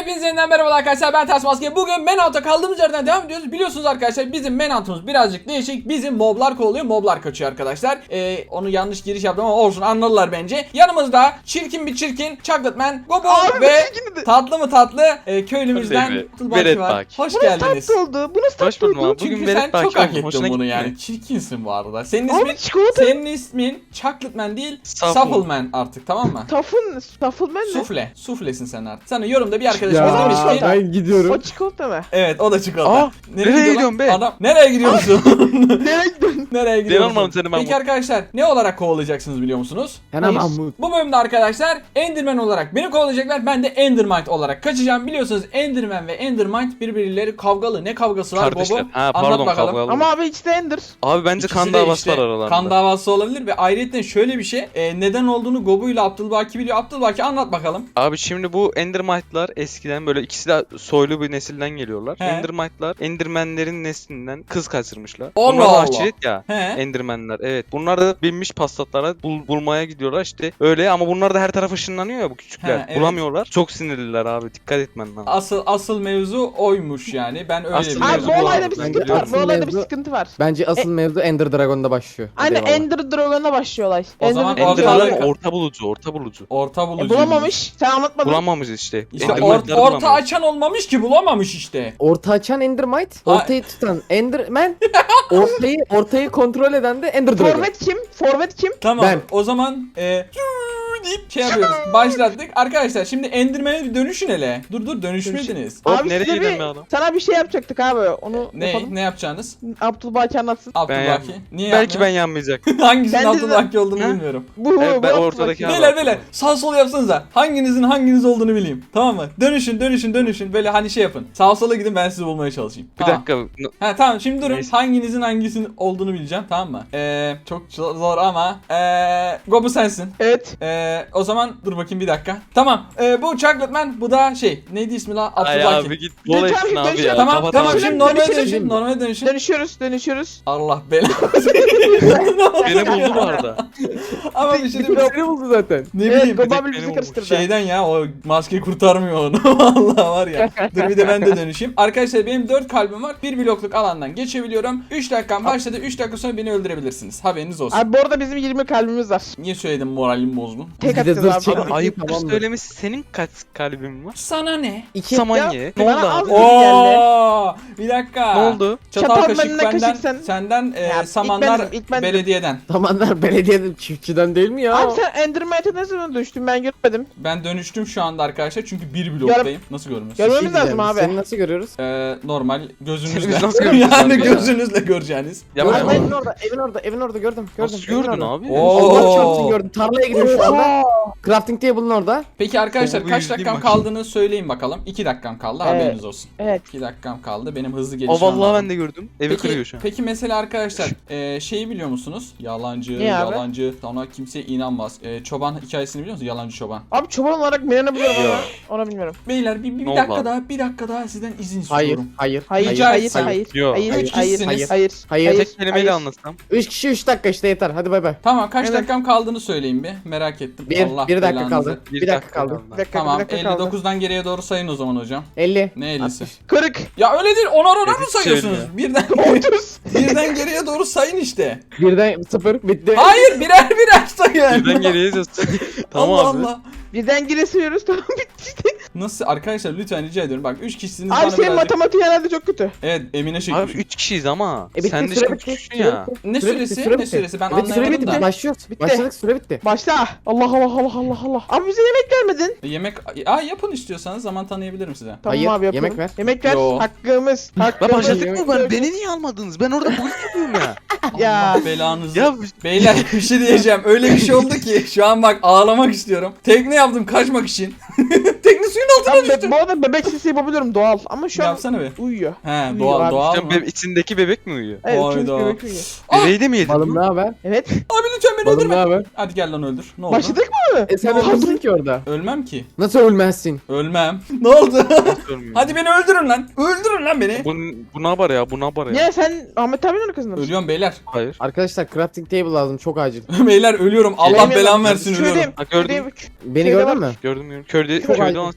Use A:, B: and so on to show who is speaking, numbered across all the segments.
A: Hepinize yeniden merhaba arkadaşlar, ben Ters Maske. Bugün Manhunt'a kaldığımız yerden devam ediyoruz. Biliyorsunuz arkadaşlar, bizim Manhunt'umuz birazcık değişik. Bizim moblar kovalıyor, moblar kaçıyor arkadaşlar. Onu yanlış giriş yaptım ama olsun, anladılar bence. Yanımızda çirkin bir çirkin Chocolate Gobu ve tatlı mı tatlı köylümüzden Tulbaki var. Hoş geldiniz.
B: Bu nasıl tatlı oldu? Bu nasıl tatlı oldu?
A: Çünkü sen çok hak ettin bunu yani. Çirkinsin bu arada. Senin ismin Chocolate değil, Suppleman artık, tamam mı?
B: Suppleman ne?
A: Suflesin sen artık. Sana yorumda bir arkadaşımız demiş ki
C: ben gidiyorum.
B: O çikolata mı?
A: evet, o da çikolata.
D: Nereye gidiyorsun be?
A: Adam, nereye gidiyorsun?
B: Nereye gidiyorsun?
A: Nereye gidiyorsun?
D: Denemem seni ben.
A: Peki arkadaşlar, ne olarak kovalayacaksınız biliyor musunuz?
C: Hemen Mahmut.
A: Bu bölümde arkadaşlar Enderman olarak beni kovalayacaklar. Ben de Endermite olarak kaçacağım. Biliyorsunuz Enderman ve Endermite birbirleri kavgalı. Ne kavgası var
D: Kardeşler.
A: Bobo?
D: Ha,
A: Anlat
D: pardon,
A: bakalım.
D: kavgalı.
B: Ama abi ikisi de Ender.
D: Abi bence
A: İkisi
D: kan
A: de
D: davası
A: işte
D: var aralarında.
A: kan davası olabilir ve ayrıca şöyle bir şey. Neden olduğunu Gobu ile Abdülbaki biliyor. Abdülbaki anlat bakalım.
D: Abi şimdi bu Endermite'lar eskiden böyle ikisi de soylu bir nesilden geliyorlar.
A: He.
D: Endermite'lar Endermenlerin neslinden kız kaçırmışlar.
A: Allah
D: Bunlar da
A: Allah.
D: aşiret ya.
A: He.
D: Endermenler, evet. Bunlar da binmiş paslatlara bulmaya gidiyorlar işte. Öyle ama bunlar da her taraf ışınlanıyor ya, bu küçükler.
A: He, evet.
D: Bulamıyorlar. Çok sinirliler abi. Dikkat etmen lazım.
A: Asıl mevzu oymuş yani. Ben öyle
D: Asıl
A: biliyorum.
B: Abi bu
D: mevzu
B: olayda bir
D: Ben
B: sıkıntı var.
C: biliyorum.
B: Bu olayda bir
C: Mevzu-
B: sıkıntı var.
C: Bence asıl mevzu Ender Dragon'da başlıyor.
B: Aynen
C: Hadi eyvallah.
B: Ender Dragon'a başlıyor olay.
A: O zaman
B: Ender
A: orada-
B: Dragon-
D: Endermen orta bulucu.
A: Orta bulucu.
B: bulamamış. Sen anlatmadın.
D: Bulamamış işte.
A: İşte
D: Endermenleri
A: orta
D: bulamıyor.
A: açan olmamış ki, bulamamış işte.
C: Orta açan Endermite, ortayı tutan Enderman, ortayı kontrol eden de Ender Dragon.
B: Forvet kim?
A: Tamam.
C: Ben.
A: O zaman deyip şey yapıyoruz. Başlattık. Arkadaşlar şimdi Enderman'e bir dönüşün hele. Dur dönüşmediniz.
D: Hop,
B: Abi
D: nereye
B: size
D: gidelim be adam?
B: sana bir şey yapacaktık abi. Onu yapalım.
A: Ne yapacaksınız?
B: Abdülbaki anlatsın.
A: Abdülbaki. Niye
D: Belki ben
A: yapmıyor?
D: yanmayacak.
A: Hangisinin
B: Ben de-
A: Abdülbaki olduğunu
D: Ha?
A: bilmiyorum.
B: Bu
D: Evet, ben
B: Abdülbaki.
D: ortadaki abi.
A: Beyler sağ sol yapsanıza. Hanginizin hanginiz olduğunu bileyim. Tamam mı? Dönüşün. Böyle hani şey yapın. Sağ sola gidin, ben sizi bulmaya çalışayım.
D: Bir
A: Tamam.
D: dakika.
A: Ha tamam, şimdi durun.
D: Neyse.
A: Hanginizin hangisinin olduğunu bileceğim, tamam mı? Çok zor ama Gobu sensin.
B: Evet.
A: O zaman dur bakayım bir dakika. Tamam. Bu Chocolate Man, bu da şey. Neydi ismi la?
D: Ay
A: Abdülbaki.
D: abi git bol etsin
B: Lütfen,
D: abi
B: lütfen.
D: ya.
A: Tamam
D: Kapat
A: tamam,
D: abi.
A: şimdi normale
B: Dönüşelim.
A: dönüşün.
B: Dönüşüyoruz.
A: Allah belanı.
D: Beni buldu bu arada.
A: Ama bir şey diyeyim.
C: Seni buldu zaten.
A: Ne
B: Evet,
A: bileyim.
B: Gobu
D: tek
B: abi bizi
D: beni
B: karıştırdı.
A: Şeyden ya, o maske kurtarmıyor onu. Vallahi var ya. Dur bir de ben de dönüşeyim. Arkadaşlar benim 4 kalbim var. 1 blokluk alandan geçebiliyorum. 3 dakikam başladı. 3 dakika sonra beni öldürebilirsiniz. Haberiniz olsun.
B: Abi bu arada bizim 20 kalbimiz var.
A: Niye söyledim, moralim bozdun?
B: Tek
C: Bir de
B: atacağız
C: zırh
B: abi.
C: çektik.
D: Abi ayıp
C: Tamamdır.
D: söylemesi, senin kaç kalbin var?
A: Sana ne?
C: İki.
D: Samanye. Ne
B: bana
D: oldu
B: az-
D: abi?
A: Oo, bir dakika.
D: Ne oldu?
A: Çatal
B: Çatal
A: kaşık
B: benden,
A: benden,
B: kaşık sen.
A: senden
B: Ya,
A: samanlar
B: ilk bendim.
A: belediyeden.
C: Zamanlar belediyede çiftçiden değil mi ya?
B: Abi sen Enderman'e ne zaman düştün, ben görmedim.
A: Ben dönüştüm şu anda arkadaşlar çünkü bir bloktayım. Nasıl görmüyorsunuz?
B: Görmemiz
C: Bir şey
B: lazım
C: diyeceğim,
B: abi.
C: Seni nasıl görüyoruz?
A: Normal gözünüzle.
D: Biz nasıl göreceğiz
A: Yani
D: abi ya?
A: gözünüzle göreceğiniz.
D: Ya
C: Abi,
D: ben-
C: evin orada gördüm.
D: Nasıl
C: evin
D: gördün
C: orada.
D: abi?
A: Oo.
C: Allah çarpsın gördüm. Tarlaya gidiyorum şu anda. Crafting table'ın orada.
A: Peki arkadaşlar
D: Gobu
A: kaç
D: yüzleyeyim
A: dakikam
D: bakayım.
A: kaldığını söyleyin bakalım. 2 dakikam kaldı,
B: Evet.
A: haberiniz olsun.
B: Evet.
A: 2 dakikam kaldı. Benim hızlı
D: Aa
A: gelişmem
D: vallahi
A: lazım.
D: ben de gördüm. Evi kırıyor şu an.
A: Peki mesela arkadaşlar şeyi biliyor musunuz? Yalancı,
B: Ne abi?
A: yalancı. Sana kimse inanmaz. Çoban hikayesini biliyor musunuz? Yalancı çoban.
B: Abi çoban olarak Miran'ı biliyorum
D: Ya.
B: ama onu bilmiyorum.
A: Beyler bir
D: Ne oldu
A: dakika
D: abi?
A: daha, bir dakika daha sizden izin
C: Hayır,
A: istiyorum.
C: hayır.
B: Hayır,
A: Rica
B: hayır,
A: etsem.
B: hayır,
D: Yok.
B: hayır,
A: Üç
B: hayır,
A: kişisiniz.
B: hayır,
D: Tek kelimeyle anlatsam.
C: 3 kişi 3 dakika işte yeter. Hadi bay bay.
A: Tamam, kaç
B: Evet.
A: dakikam kaldığını söyleyin bir. Merak ettim.
C: Bir dakika
A: belanızı.
C: kaldı. Bir dakika kaldı.
B: Bir dakika,
A: Tamam,
B: bir dakika kaldı.
A: 59'dan geriye doğru sayın o zaman hocam.
C: 50.
A: Ne 50'si?
B: 40,
A: Ya öyle değil, onar mı
D: Ezik
A: sayıyorsunuz? Birden
B: 30.
A: birden geriye doğru sayın işte.
C: Birden 0 bitti.
A: Hayır, birer sayın.
D: Birden geriye yazıyorsun. Tamam
A: Allah
D: abi.
A: Allah.
B: Birden geri sayıyoruz, tamam bitti işte.
A: Nasıl arkadaşlar, lütfen rica ediyorum. Bak 3 kişisiniz,
B: Abi
A: bana
B: senin
A: birazcık.
B: matematiğin herhalde çok kötü.
A: Evet, Emine
D: Abi
A: çekmiş.
D: 3 kişiyiz ama.
C: bitti,
D: Sen de
C: süre
D: şimdi
C: bitti,
D: küçüksün
C: süre
D: ya.
C: bitti.
A: Ne
C: Süre
A: süresi?
C: bitti, süre
A: Ne
C: bitti.
A: süresi? Ben
C: Evet, süre
A: anlayamadım
C: bitti.
A: da.
C: Başlıyoruz.
B: Bitti.
C: Başladık, süre bitti.
B: Başla. Allah Allah Allah Allah Allah. Abi bize yemek vermedin.
A: Yemek yapın istiyorsanız, zaman tanıyabilirim size.
B: Tamam
C: Hayır,
B: abi yapalım.
C: yemek ver.
B: Yemek ver.
A: Yo.
B: Hakkımız.
D: La
B: Hakkımız.
D: başladık mı? Beni niye almadınız? Ben orada bulut yapıyorum ya.
B: Ya.
A: Allah belanızı.
D: Ya
A: Beyler bir şey diyeceğim. Öyle bir şey oldu ki şu an bak ağlamak istiyorum. Tekne yaptım kaçmak için. Tekne suyun altına
B: Abi
A: düştü.
B: bu arada bebek sesi yapabiliyorum doğal ama şu an
A: Yapsana be.
B: uyuyor.
A: He,
B: Uyuyor
A: doğal
B: abi.
A: doğal
D: Sen
A: mı?
D: içindeki bebek mi uyuyor?
B: Evet,
A: Hayda.
B: çocuk bebek uyuyor.
D: Bebeği de mi yedin?
C: Balım ne haber?
B: Evet.
A: Abi lütfen beni
C: Balım ne
A: öldürme.
C: haber?
A: Hadi gel lan öldür. Ne oldu?
B: Başladık mı?
C: Sen
A: Ne oldu?
C: ölmezsin ki orada.
A: Ölmem ki.
C: Nasıl ölmezsin?
A: Ölmem. Ne oldu?
D: Görmüyorum.
A: Hadi beni öldürün lan. Öldürün lan beni.
D: Bu ne haber ya? Bu ne haber ya?
B: Ya sen Ahmet abinin arkasında mısın?
A: Ölüyorum beyler.
D: Hayır.
C: Arkadaşlar crafting table lazım çok acil.
A: Beyler ölüyorum. Allah
B: Yemin
A: belamı
B: ederim.
A: versin,
B: Köydeyim,
A: ölüyorum.
D: Ha, gördüm.
B: köydeyim.
C: Beni
B: Köyde
C: gördün
B: var.
C: mü?
D: Gördüm.
C: Çok
D: Köyde
C: acil.
D: olan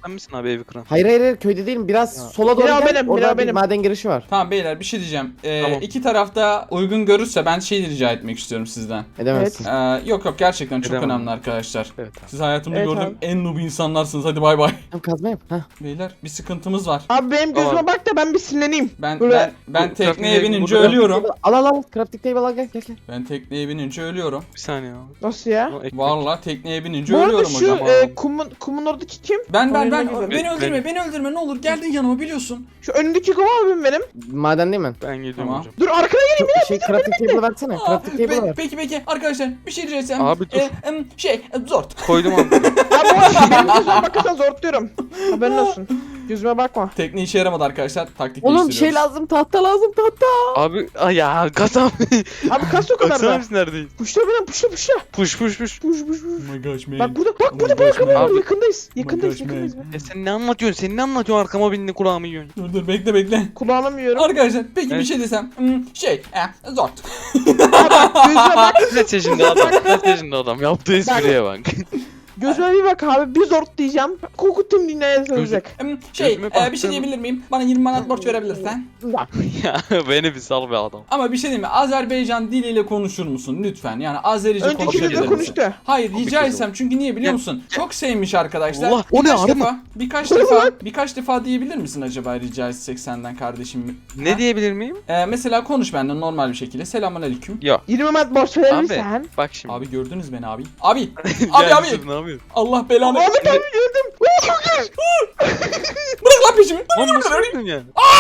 D: Sen misin abi evi kıran?
C: Hayır hayır hayır, köyde değilim. Biraz sola doğru
B: Bina
C: gel.
B: benim,
C: Orada
B: bina
C: bir
B: benim.
C: maden girişi var.
A: Tamam beyler bir şey diyeceğim.
D: Tamam.
A: İki tarafta uygun görürse ben şey rica etmek istiyorum sizden.
C: Edemezsin.
A: Yok yok gerçekten çok
D: Edemem.
A: önemli arkadaşlar.
D: Evet abi.
A: Siz hayatımda
B: Evet
A: gördüğüm
B: abi.
A: en noob insanlarsınız. Hadi bay bay.
C: Tamam, kazma yap. Heh.
A: Beyler bir sıkıntımız var.
B: Abi benim gözüme
D: Tamam.
B: bak da ben bir sinirleneyim.
A: Ben
B: Böyle-
A: ben
D: Bu
A: tekneye
D: crafting
A: binince
D: burada-
A: ölüyorum.
C: Al al al. Crafting table al, gel gel gel.
A: Ben tekneye binince ölüyorum.
D: Bir saniye abi.
B: Nasıl ya?
D: O ekmek.
A: Vallahi tekneye binince
B: Bu arada
A: ölüyorum
B: şu
A: hocam.
B: kumun oradaki kim?
A: Ben
B: Oyununa gidelim.
A: beni öldürme ne olur geldin yanıma biliyorsun.
B: Şu önündeki kum abim benim.
C: Maden değil mi?
D: Ben geliyorum
A: Tamam.
D: hocam.
B: Dur arkana geleyim.
C: Şey crafting table versene. Crafting table ver.
A: Peki arkadaşlar bir şey rica etsem.
D: Abi dur.
A: Zort.
D: Koydum abi.
B: Abi bu arada benim gözüme bakarsan zorluyorum. Haberin olsun. Gözüme bakma.
A: Tekne işe yaramadı arkadaşlar. Taktik
C: Oğlum
A: değiştiriyoruz.
C: şey lazım, tahta lazım, tahta.
D: Abi ay ya kasam.
B: Abi kas o kadar
D: Baksana
B: da.
D: biz neredeyiz?
B: Puşla beni puşla.
D: Push.
B: Puş puş puş.
A: Oh my gosh man.
B: Bak burada bak
A: Oh
B: burada
A: my gosh,
B: bak
A: man.
B: abi yakındayız.
A: my
B: Yakındayız
A: gosh,
B: yakındayız.
D: Ya sen ne anlatıyorsun? Sen ne anlatıyorsun? Arkama bindi kulağımı yiyorsun.
A: Dur bekle.
B: Kulağına mı yiyorum?
A: Arkadaşlar peki bir
D: Evet.
A: şey desem. Zort.
B: Abi bak gözüme bak.
D: Ne çeşinde adam? Ne çeşinde adam? Yaptığı espriye bak.
B: Gözüme bir bak abi. Bir zort diyeceğim. Koku tüm dünyaya sarılacak.
D: Gözüme
A: Bir şey
D: baktın.
A: diyebilir miyim? Bana 20 manat borç verebilirsen.
B: Bak.
D: Ya beni bir sal be adam.
A: Ama bir şey diyeyim mi? Azerbaycan diliyle konuşur musun lütfen? Yani Azerice
B: Önceki
A: konuşabilir
B: videoda
A: misin?
B: konuştu.
A: Hayır rica
D: kızım.
A: etsem çünkü niye biliyor musun? Çok sevmiş arkadaşlar.
D: Allah, o ne
A: Birkaç
D: arı mı?
A: defa, birkaç defa diyebilir misin acaba rica etsek senden kardeşim?
D: Ne
A: Ha?
D: diyebilir miyim?
A: Mesela konuş benden normal bir şekilde. Selamünaleyküm.
D: Yok.
B: 20 mat borç verebilirsen.
D: Bak şimdi.
A: Abi gördünüz beni abi. Abi.
D: Ya
A: abi.
D: Yusuf, ne yapıyorsun?
A: Allah belanı.
B: Ahmet abi gördüm. Oo, çok iyi.
A: Bırak lan peşimi.
D: Lan nasıl öldün ya?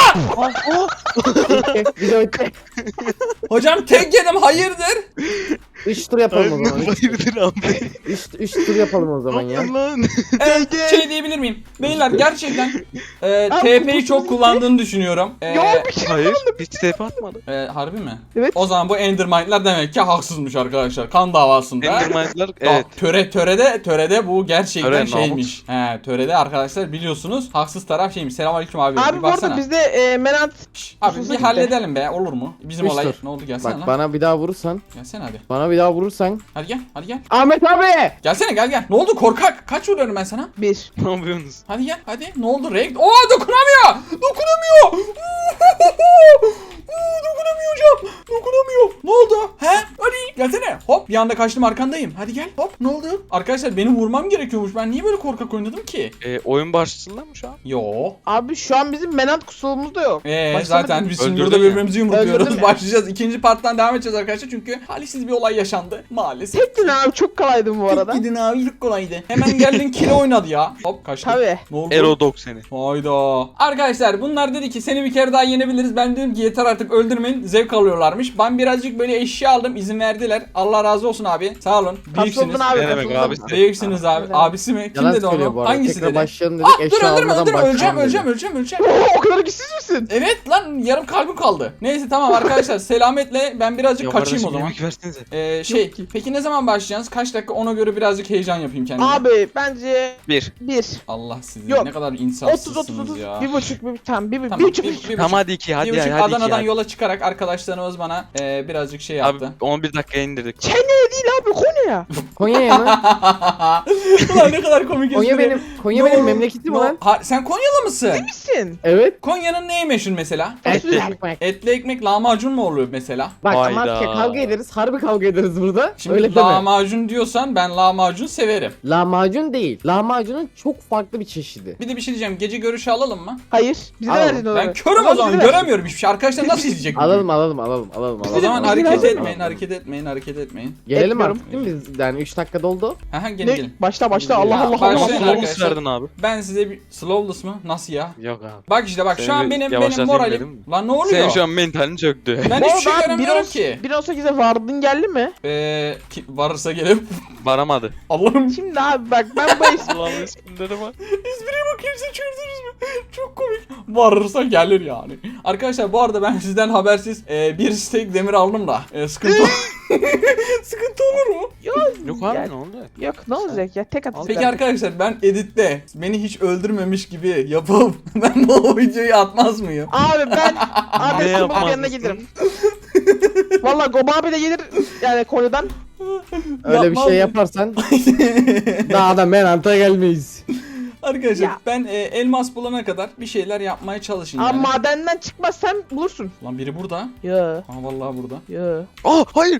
C: Video bitti.
A: Hocam tek yedim hayırdır?
C: 3 tur yapalım o zaman.
D: Hayırdır abi?
C: 3 tur yapalım o zaman ya.
D: Lan.
A: Şey diyebilir miyim? Beyler gerçekten
B: Abi,
A: TP'yi
B: bu-
A: çok kullandığını düşünüyorum.
B: Ya bir şey.
D: Hayır. Hiç tepe atmadı.
A: Harbi mi?
B: Evet.
A: O zaman bu Endermind'ler demek ki haksızmış arkadaşlar. Kan davasında.
D: Endermind'ler evet.
A: Törede bu gerçekten
D: Töre,
A: şeymiş. Törede arkadaşlar biliyorsunuz haksız taraf şeymiş. Selamünaleyküm abi.
B: Abi
A: bir
B: bu arada
A: baksana.
B: bizde Menat
A: Şş, abi
B: hususu
A: bir
B: gitti.
A: halledelim be olur mu? Bizim
C: Üç
A: olay
C: tur.
A: ne oldu gelsene
C: Bak
A: lan.
C: bana bir daha vurursan.
A: Gelsene hadi.
C: Bana bir daha vurursan.
A: Hadi gel.
C: Ahmet abi!
A: Gelsene gel. Ne oldu korkak? Kaç vuruyorum ben sana?
B: 1.
D: Ne yapıyorsunuz?
A: Hadi gel hadi. Ne oldu Rekt? Dokunamıyor. Dokunamıyor. Ne oldu? He? Hadi gelsene. Hop bir anda kaçtım arkandayım. Hadi gel. Hop ne oldu? Arkadaşlar benim vurmam gerekiyormuş. Ben niye böyle korkak oynadım ki?
D: Oyun başlasın mı şu an?
A: Yo.
B: Abi şu an bizim Menat kusurumuz da yok.
A: Zaten
B: Başlamadık.
A: biz şimdi
D: Öldürdün
A: burada
D: ya.
A: birbirimizi yumrukluyoruz.
B: Öldürdüm ya.
A: Başlayacağız. İkinci parttan devam edeceğiz arkadaşlar. Çünkü talihsiz bir olay yaşandı. Maalesef.
B: Tektin abi çok kolaydı bu arada.
A: Gidin abi çok kolaydı. Hemen geldin kilo oynadı ya. Hop kaçtı.
B: Tabii.
A: Ne oldu?
D: Erodok seni.
A: Hayda. Arkadaşlar bunlar dedi ki seni bir kere daha yenebiliriz. Ben dedim ki yeter artık öldürmeyin. Zevk alıyorlarmış. Ben birazcık böyle eşya aldım. İzin verdiler. Allah razı olsun abi. Sağ olun. Büyüksünüz.
B: Kapsıldın abi.
D: Ne demek
B: kapsıldın.
D: abi?
A: Büyüksünüz abi.
B: Evet.
A: Abisi mi? Kim
C: Yalan
A: dedi
C: söylüyor
A: onu?
C: bu arada.
A: Hangisi
C: Tekrar
A: dedi?
C: başlayalım dedik.
A: Dur
C: Eşya
A: öldürme
C: almadan başlayalım dedi.
A: öleceğim.
B: Oo, o kadar güçsüz müsün?
A: Evet lan yarım kalbim kaldı. Neyse tamam arkadaşlar selametle ben birazcık
D: Ya
A: kaçayım o
D: kardeşim,
A: zaman.
D: yemek versenize.
B: Yok ki.
A: Peki ne zaman başlayacaksınız? Kaç dakika ona göre birazcık heyecan yapayım kendime.
B: Abi bence
D: 1.
B: 1.
A: Allah sizi
B: Yok.
A: ne kadar
B: 30
A: insafsızsınız
B: 30
A: ya.
B: 1,5 bir tamam 1,5
A: Tamam,
B: 1,5.
D: Tamam hadi 2 hadi
A: bir buçuk
D: hadi 2
A: Adana'dan
D: hadi.
A: yola çıkarak arkadaşlarımız bana birazcık şey
D: Abi
A: yaptı.
D: 11 dakikaya indirdik.
B: Kenya değil abi Konya.
C: Konya'ya mı?
A: Ulan ne kadar komik
C: Konya
A: espri.
C: benim. Konya benim memleketim lan.
A: Sen Konyalı mısın?
B: Misin?
C: Evet.
A: Konya'nın neyi meşhur mesela?
C: Etli ekmek.
A: Etli ekmek lahmacun mu oluyor mesela?
C: Bak
D: Hayda.
C: Amasya'ya kavga ederiz. Harbi kavga ederiz burada.
A: Şimdi
C: Öyle deme.
A: lahmacun diyorsan ben lahmacun severim.
C: Lahmacun değil. Lahmacunun çok farklı bir çeşidi.
A: Bir de bir şey diyeceğim. Gece görüşü alalım mı?
B: Hayır. Bize
C: Al.
B: de verdin onu.
A: Ben körüm o zaman göremiyorum hiçbir şey. Arkadaşlar nasıl izleyecek?
C: Alalım.
A: O zaman
B: Biz
A: hareket
B: alalım.
A: etmeyin.
C: Gelelim
B: Etmiyorum.
C: artık değil mi biz? Yani 3 dakika doldu.
A: Aha gelin
B: Ne?
A: gelin.
B: Başla Allah
A: Ya,
B: Allah
A: başlayın
B: Allah.
A: arkadaşlar.
D: Slowless verdin abi.
A: Ben size bir slowless mı? Nasıl ya?
D: Yok abi.
A: Bak işte bak şu
D: Seni
A: an
D: bir
A: benim
D: yavaşlatayım dedim
A: moralim.
D: mi?
A: Lan ne oluyor?
D: Senin şu an mentalin çöktü.
A: Ben
B: Bu
A: hiçbir şey
B: arada
A: göremiyorum ki.
B: 1.18'e vardın geldi mi?
A: Varırsa gelip
D: Varamadı.
A: Allah'ım
B: Şimdi abi bak ben bu es-
D: Allah'ım isimlere bak.
A: espriye bakayım siz çözdünüz mü? Çok komik. Varırsa gelir yani. Arkadaşlar bu arada ben sizden habersiz bir steak demir aldım da sıkıntı sıkıntı olur mu?
D: Yok abi
B: Yani-
D: ne oldu?
B: Yok ne olacak ya tek atış.
A: Peki arkadaşlar ben editte beni hiç öldürmemiş gibi yapıp ben bu videoyu atmaz mıyım?
B: Abi ben abi
D: Ne
B: Goba
D: yapmaz
B: yanına
D: mısın?
B: gelirim. Valla Goba abi de gelir yani Konya'dan.
C: Öyle bir
A: Yapmaz
C: şey
A: mı?
C: yaparsan daha da Menant'a gelmeyiz.
A: Arkadaşlar
B: Ya.
A: ben elmas bulana kadar bir şeyler yapmaya çalışın
B: Abi
A: yani.
B: madenden çıkmazsan bulursun.
A: Lan biri burada.
B: Ya.
A: Ha vallahi burada.
B: Ya.
D: Hayır.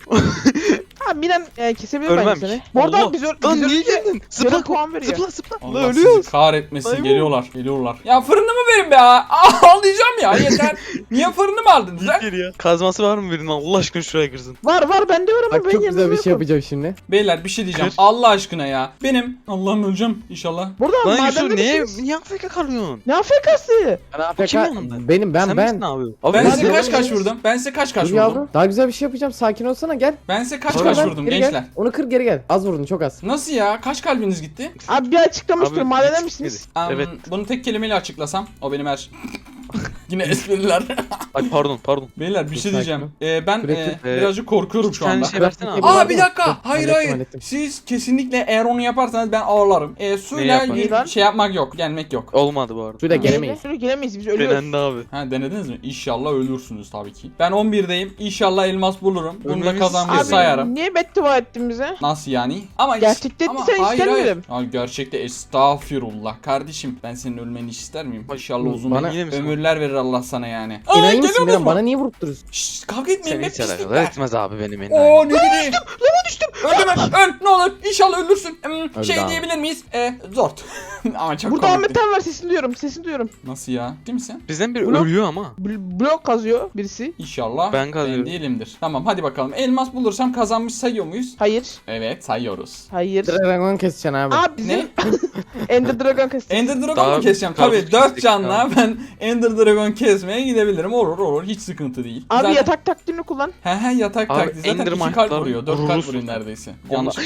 B: Abi Miran kesebilir
D: Ölmem
B: bence
D: ki.
B: seni. Bu arada
D: Allah.
B: biz
D: Lan niye
B: ölünce
D: geldin?
B: yarım
D: Zıpla.
B: puan veriyor.
D: Zıpla.
A: Allah
D: Lan
A: sizi
D: ölüyoruz.
A: kahretmesin.
D: Ay bu.
A: Geliyorlar. Geliyorlar. Ya fırını mı verin be ya? Ağlayacağım ya yeter. Niye fırını mı aldınız lan?
D: Gir ya. Kazması var mı birinin? Allah aşkına şuraya kırsın.
B: Var bende var ama
C: Bak
B: ben
C: çok
B: yanımda
C: güzel bir şey
B: yokum.
C: yapacağım şimdi.
A: Beyler bir şey diyeceğim.
D: Kır.
A: Allah aşkına ya. Benim Allah'ım öleceğim inşallah.
B: Burada
D: Lan Yusuf
B: madende
D: niye
B: misiniz?
D: AFK kalıyorsun?
B: Ne AFK'sı?
C: Ben
D: Kim
C: AFK
D: yanında?
C: benim
D: Sen
C: ben.
D: misin abi? Abi
A: Ben
C: Hadi
A: size
C: oğlum.
A: kaç vurdum? Ben size kaç
C: Dur
A: vurdum?
C: yavrum. Daha güzel bir şey yapacağım. Sakin olsana gel.
A: Ben size kaç
C: Sonra ben
A: vurdum
C: geri
A: gençler?
C: Gel. Onu kır geri gel. Az vurdun çok az.
A: Nasıl ya? Kaç kalbiniz gitti?
B: Abi bir açıklamıştır.
D: Abi,
B: Madenden
D: hiç
B: misiniz?
D: Evet.
A: Bunu tek kelimeyle açıklasam o benim her. Yine espriler.
D: Ay pardon.
A: Beyler bir
C: Dur,
A: şey diyeceğim. Ben
C: Sürekli-
A: birazcık korkuyorum şu
D: Bir tane
A: anda.
D: şey versene abi.
C: Aa,
A: Bir dakika.
C: Dur,
A: Hayır
C: hallettim,
A: hayır.
C: hallettim.
A: Siz kesinlikle eğer onu yaparsanız ben ağlarım. Suyla
D: yaparım?
A: bir şey yapmak yok. Gelmek yok.
D: Olmadı bu arada.
C: Suyla gelemeyiz.
B: Şöyle gelemeyiz biz ölüyoruz.
D: Denendi abi.
A: Ha denediniz mi? İnşallah ölürsünüz tabii ki. Ben 11'deyim. İnşallah elmas bulurum. Bunu da
D: Ölmemiz-
A: kazanmayı
B: Abi
A: sayarım.
B: niye beddua ettin bize?
A: Nasıl yani? Ama
B: Gerçekten
A: ama
B: sen
A: hayır,
B: istemiyorum.
A: hayır. Ya gerçekte estağfirullah kardeşim. Ben senin ölmeni hiç ister miyim? İnşallah uzun
C: Bana-
D: Yine mi sen?
A: ömürler verir Allah sana yani.
C: Enayi misin
A: geliyor
C: Miran?
A: mu?
C: Bana niye vurup duruyorsun?
A: Şşş kavga etmeyin
D: Seni
A: be
D: hiç alakalı
A: pislikler.
D: etmez abi benim en.
A: Oo ne dedi? Lava düştüm. Öldüm öl ne olur inşallah ölürsün. Şey
C: abi.
A: diyebilir miyiz? Zort. Ama çok
B: Burada
A: komikti.
B: Ahmet var sesini duyuyorum.
A: Nasıl ya? Değil misin?
D: Bizden biri
B: Blok-
D: ölüyor ama.
B: Blok kazıyor birisi.
A: İnşallah
D: Ben kazıyorum.
A: değilimdir. Tamam hadi bakalım. Elmas bulursam kazanmış sayıyor muyuz?
B: Hayır.
A: Evet sayıyoruz.
B: Hayır.
C: Dragon keseceksin abi.
B: Abi bizim Ender Dragon kestik.
A: Ender Dragon
D: Daha
A: mu keseceğim?
D: karpuz
A: Tabii 4
D: kestik,
A: canla
D: tamam.
A: ben Ender Dragon kesmeye gidebilirim. Olur hiç sıkıntı değil.
B: Abi
A: Zaten-
B: yatak taktiğini kullan.
A: He yatak
D: Abi,
A: taktiği zaten
D: Ender
A: 2 kalp
D: Mike'lar
A: vuruyor. 4 kalp
D: vurursun.
A: vuruyor neredeyse.
D: Onlar-
A: Yanlış.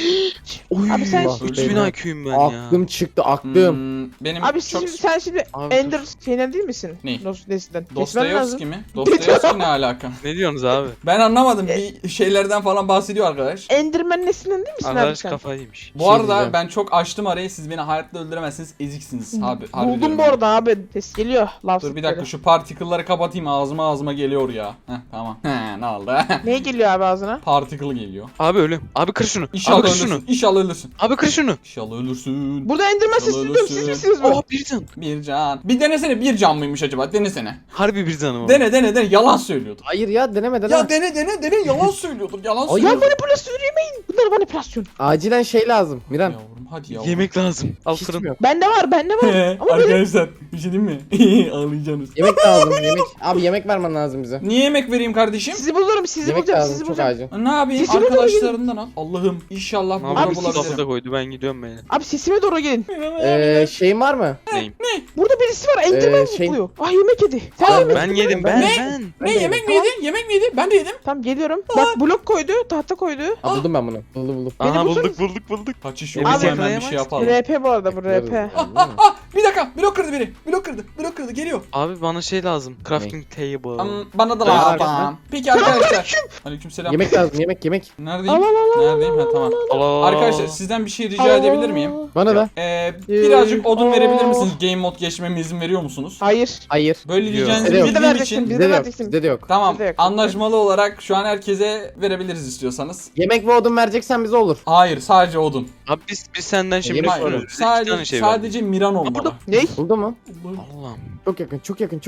B: Abi sen
C: Allah.
D: 3000
C: Beyler.
D: IQ'yum ben ya.
C: Aklım çıktı aklım.
A: Benim
B: Abi
A: çok...
B: sen şimdi
D: Abi
B: Ender şeyden değil misin?
A: Ne?
B: Dostoyevski'den. Kesmen
A: Dostoyevski
B: lazım.
A: mi? Dostoyevski ne alaka?
D: Ne diyorsunuz abi?
A: Ben anlamadım. Bir şeylerden falan bahsediyor arkadaş.
B: Enderman neslinden değil misin abi
D: Arkadaş
B: sen?
D: kafayı yemiş.
A: Bu
C: şey
A: arada
C: diyeceğim.
A: ben çok açtım arayı. Siz beni hayatta öldüremezsiniz. Eziksiniz. Abi, harbi
B: Buldum
A: diyorum
B: bu
A: yani.
B: arada abi. Ses geliyor. Laf
A: Dur bir dakika şu particle'ları kapatayım. Ağzıma geliyor ya. Heh tamam. Ne oldu?
B: Neye geliyor abi ağzına?
A: Particle geliyor.
D: Abi ölüm. Abi kır şunu.
A: İnşallah
D: Abi kır
A: ölürsün.
D: şunu.
A: İnşallah ölürsün.
D: Abi kır şunu.
A: İnşallah ölürsün.
B: Burada Enderman sesini duyuyorum. Siz
A: ölürsün.
B: misiniz bu?
D: Oh bir can.
A: Bir can. Bir denesene bir can mıymış acaba? Denesene.
D: Harbi bir canım var.
A: Dene. Yalan söylüyordur.
C: Hayır ya deneme deneme.
A: Ya dene. Yalan söylüyordur. Yalan
C: Ay,
B: Ya
A: söylüyordur.
B: manipülasyon yemeyin. Bunlar manipülasyon.
C: Acilen şey lazım Miran.
A: Yavrum hadi yavrum.
D: Yemek lazım. Al
C: Hiç
D: fırın.
C: mi yok?
B: Bende var. Ama böyle
A: Arkadaşlar bir şey diyeyim mi? Ağlayacaksınız.
C: Yemek lazım yemek. Abi yemek vermen lazım bize.
A: Niye yemek vereyim kardeşim?
B: sizi bulurum. Sizi
C: Yemek
B: bulacağım.
C: lazım
B: Sizi
C: çok
B: bulacağım.
C: acil.
A: Ne yapayım?
B: Sesimi doğru
A: Arkadaşlarından al. Allah'ım inşallah
D: Ne
A: burada
D: yapayım?
B: siz
D: Lafı
A: bulabilirim.
D: da koydu ben gidiyorum ben.
B: Abi sesime doğru gelin.
C: Şeyin var mı?
D: Neyim?
B: Burada birisi var. Enderman
C: şey-
B: buluyor. Ah yemek yedi. Sen
C: Aa,
B: yemek
D: Ben
B: yedin
D: yedim
B: mi?
D: ben.
A: Ne yemek mi yedi? Yemek mi yedi? Ben de yedim.
B: Tamam geliyorum. Bak blok koydu. Tahta koydu.
C: Aa, buldum ben bunu. Buldum.
B: Beni
D: Aha
B: bulsanız-
D: bulduk.
A: Kaçış
D: Abi,
A: yok. Hemen bir
D: yakalayamaz.
A: şey yapalım.
B: RP bu arada bu RP.
A: Bir dakika. Blok kırdı biri. Blok kırdı. Geliyor.
D: Abi bana şey lazım. Crafting table.
A: Bana da
C: Ben
A: lazım.
C: arkasına.
A: Peki arkadaşlar. Aleykümselam.
C: Yemek lazım yemek.
A: Neredeyim?
B: Al, al, al,
A: Neredeyim? Ha tamam.
D: Allah.
A: Arkadaşlar sizden bir şey rica edebilir miyim?
C: Bana da.
A: Birazcık odun verebilir misiniz? Game mod geçmeme izin veriyor musunuz?
B: Hayır.
C: Hayır.
A: Böyle
D: Yok.
A: diyeceğinizi
C: Bize de
A: bildiğim
B: vereceksin,
A: için.
B: bize
C: Bizde de yok.
B: vereceksin.
C: Bizde de yok.
A: Tamam.
B: Bize de yok.
A: Anlaşmalı olarak şu an herkese verebiliriz istiyorsanız.
C: Yemek ve odun vereceksen bize olur.
A: Hayır, sadece odun.
D: Abi biz senden şimdi
C: Yemek
D: soruyoruz.
C: var.
D: İki tane
A: Sadece
D: şey var.
A: sadece Miran olmalı.
D: burada-
B: Ne?
C: Buldu mu?
D: Allah'ım.
C: Çok yakın.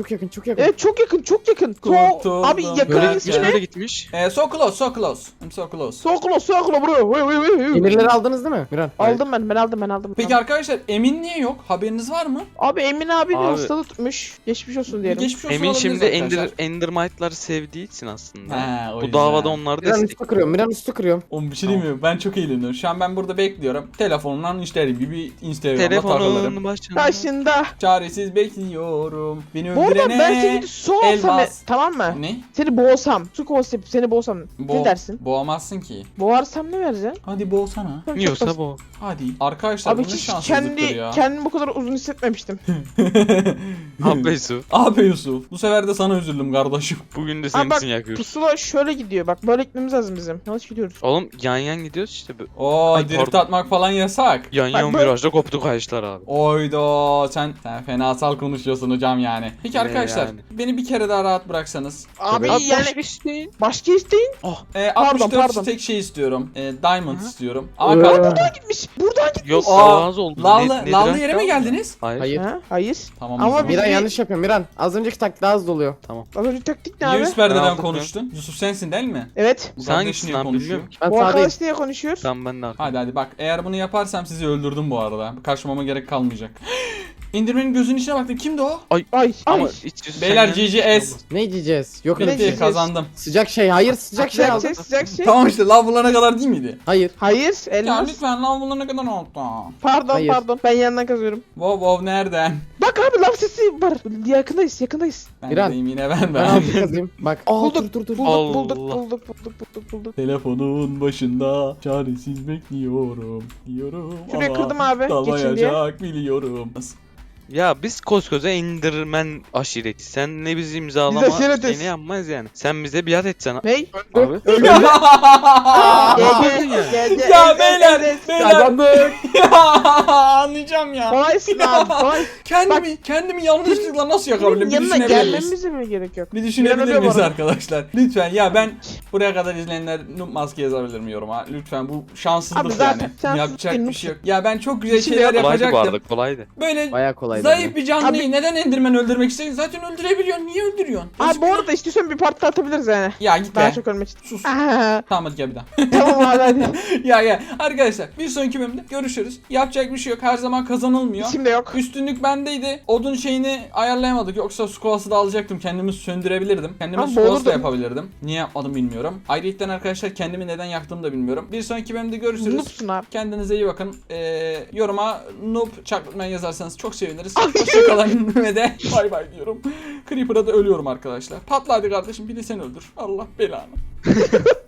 B: Evet çok yakın.
A: Kurtuldum.
B: Abi
D: Böyle
B: yakın
A: Ben-
D: gitmiş
B: ismi ne?
D: böyle gitmiş.
A: So close. I'm so close.
B: Soklo bro.
C: Demirleri aldınız değil mi Miran?
B: Aldım ben aldım.
A: Peki arkadaşlar Emin niye yok? Haberiniz var mı?
B: Abi Emin abi bir
D: Abi-
B: hastalık tutmuş. Geçmiş olsun diyelim.
A: Geçmiş olsun
D: Emin
A: olabiliriz
D: şimdi
A: arkadaşlar.
D: Endermite'ları sevdiği için aslında.
A: He, o
D: Bu
A: yüzden.
D: davada onları
C: Miran
D: destek.
C: üstü kırıyorum. Miran üstü kırıyorum.
A: Oğlum bir şey diyeyim mi? Ben çok eğleniyorum. Şu an ben burada bekliyorum. Telefonumdan işlerim gibi Instagram'da takılırım.
D: Telefonun başında.
B: Başında.
A: Çaresiz bekliyorum. Beni
B: Bu arada
A: öldürene.
B: ben seni su olsam
A: elmas.
B: tamam mı?
A: Ne?
B: Seni boğsam. Su konsepti seni boğsam. Ne dersin?
A: Boğamazsın ki.
B: Boğarsam ne vereceksin?
A: Hadi boğsana.
B: Çok
D: Yiyorsa
B: basit.
D: bu.
A: Hadi. Arkadaşlar
B: Abi
A: bu ne
B: hiç
A: şanssızlıktır ya.
B: kendimi bu kadar uzun hissetmemiştim.
D: Abi Yusuf.
A: Abi Yusuf. Bu sefer de sana üzüldüm kardeşim.
D: Bugün de
B: Abi
D: senin
B: bak
D: için yakıyoruz.
B: pusula şöyle gidiyor. Bak böyle gitmemiz lazım bizim. Yanlış gidiyoruz.
D: Oğlum yan yan gidiyoruz işte.
A: Oo
D: Ay,
A: drift
D: pardon.
A: atmak falan yasak.
D: Yan
B: Bak
D: yan
B: böyle-
D: virajda koptu kayışlar abi.
A: Oydo sen fenasal konuşuyorsun hocam yani. Peki
D: Ne
A: arkadaşlar
D: yani?
A: beni bir kere daha rahat bıraksanız.
B: Abi
C: Tabii.
B: yani başka isteyin.
A: 64
B: pardon.
A: tek şey istiyorum. Diamond
B: Hı.
A: istiyorum. Ama kalk.
B: Gitmiş. Buradan gitmiş.
D: Yok
A: Aa,
D: daha az oldu.
A: Lavlı yere mi geldiniz?
D: Hayır.
C: Hayır.
B: Ha? Hayır.
A: Tamam.
B: Ama
A: o zaman.
B: bir-
C: Miran yanlış yapıyor Miran. Az önceki taktik daha hızlı oluyor.
B: Az önce taktik ne
A: Niye
B: abi?
A: üst perdeden
D: Ben aldım
A: konuştun? Yusuf sensin değil mi?
B: Evet.
A: Bu
D: Sen
A: kardeş
D: hangisin
A: niye
D: lan
A: konuşuyor?
D: bilmiyorum ki.
C: Ben
B: Bu
C: sağdayım.
B: arkadaş niye konuşuyor?
D: Tamam ben de arkadaşım.
A: Hadi bak eğer bunu yaparsam sizi öldürdüm bu arada. Kaçmama gerek kalmayacak. İndirmenin gözünün içine baktım. Kimdi o?
B: Ay.
D: Ama
B: Ay.
D: hiç Yusuf
A: Beyler
D: senden hiç
A: GGS.
D: olmaz.
C: Ne diyeceğiz? Yok
B: Ne
C: öyle bir şey.
B: diyeceğiz?
A: Kazandım.
C: Sıcak şey. Hayır sıcak şey
B: Sıcak
C: aldım.
B: şey, sıcak şey.
A: Tamam işte lav bulana kadar değil miydi?
C: Hayır.
B: Hayır.
A: Ya
B: Elmas.
A: lütfen lav bulana kadar oldu.
B: Pardon
C: Hayır.
B: pardon. Ben yandan kazıyorum.
A: Wow nereden?
B: Bak abi lav sesi var. Yakındayız yakındayız.
A: Ben
C: İran.
A: deyim yine ben.
C: Ben altı kazayım. Bak. Aa
B: Bulduk,
C: dur.
B: Bulduk.
A: Telefonun başında çaresiz bekliyorum diyorum.
B: Şurayı
A: ama
B: kırdım abi, geçin diye.
A: dalmayacak biliyorum.
D: Ya biz koskoca Enderman aşireti. Sen ne bizi imzalama
B: Biz aşiretiz.
D: seni yapmaz yani. Sen bize biat etsene.
B: Ney?
D: Abi.
B: Gel.
A: Ya beyler.
C: Kazandık.
A: Anlayacağım ya.
B: Kolaysın abi kolay.
A: Kendimi yanlışlıkla nasıl yakabilirim? Bir
B: Yanına
A: düşünebilir miyiz?
B: gelmemize mi gerek yok?
A: Bir düşünebilir
B: Miran
A: miyiz
B: ölüyor bu
A: arkadaşlar? Lütfen ya ben buraya kadar izleyenler noob maske yazabilir mi yoruma? Lütfen bu şanssızlık
B: Abi zaten
A: yani.
B: şanssızlık
A: Yapacak
B: değil,
A: bir şey yok. Ya ben çok güzel
B: Şimdi
A: şeyler
B: yap-
D: Kolaydı bu
A: yapacaktım.
D: arada kolaydı.
A: Böyle
C: Baya kolaydı.
A: zayıf bir canlıyı
B: Abi-
A: neden Enderman öldürmek istiyorsun? Zaten öldürebiliyorsun. Niye öldürüyorsun?
B: Abi bu arada istiyorsan bir part daha atabiliriz yani.
A: Ya git
B: Daha
A: be.
B: çok ölmek için.
A: Sus.
B: Aa,
A: Tamam hadi gel bir daha.
B: tamam abi hadi.
A: ya arkadaşlar bir sonraki bölümde görüşürüz. Yapacak bir şey yok. Her zaman kazanılmıyor.
B: Şimdi yok.
A: Üstünlük bendeydi. Odun şeyini ayarlayamadık. Yoksa squash'ı da alacaktım. Kendimi söndürebilirim. Kendimi
B: Abi
A: squash da
B: boğulurdum.
A: yapabilirdim. Niye yapmadım bilmiyorum. Ayrıca arkadaşlar kendimi neden yaktığımı da bilmiyorum. Bir sonraki bölümde görüşürüz.
B: Noobsun abi.
A: Kendinize iyi bakın. Yoruma noob çaklatmaya yazarsanız çok seviniriz. Hoşçakalın ve de bay bay diyorum. Creeper'a da ölüyorum arkadaşlar. Patla hadi kardeşim bir de sen öldür. Allah belanı.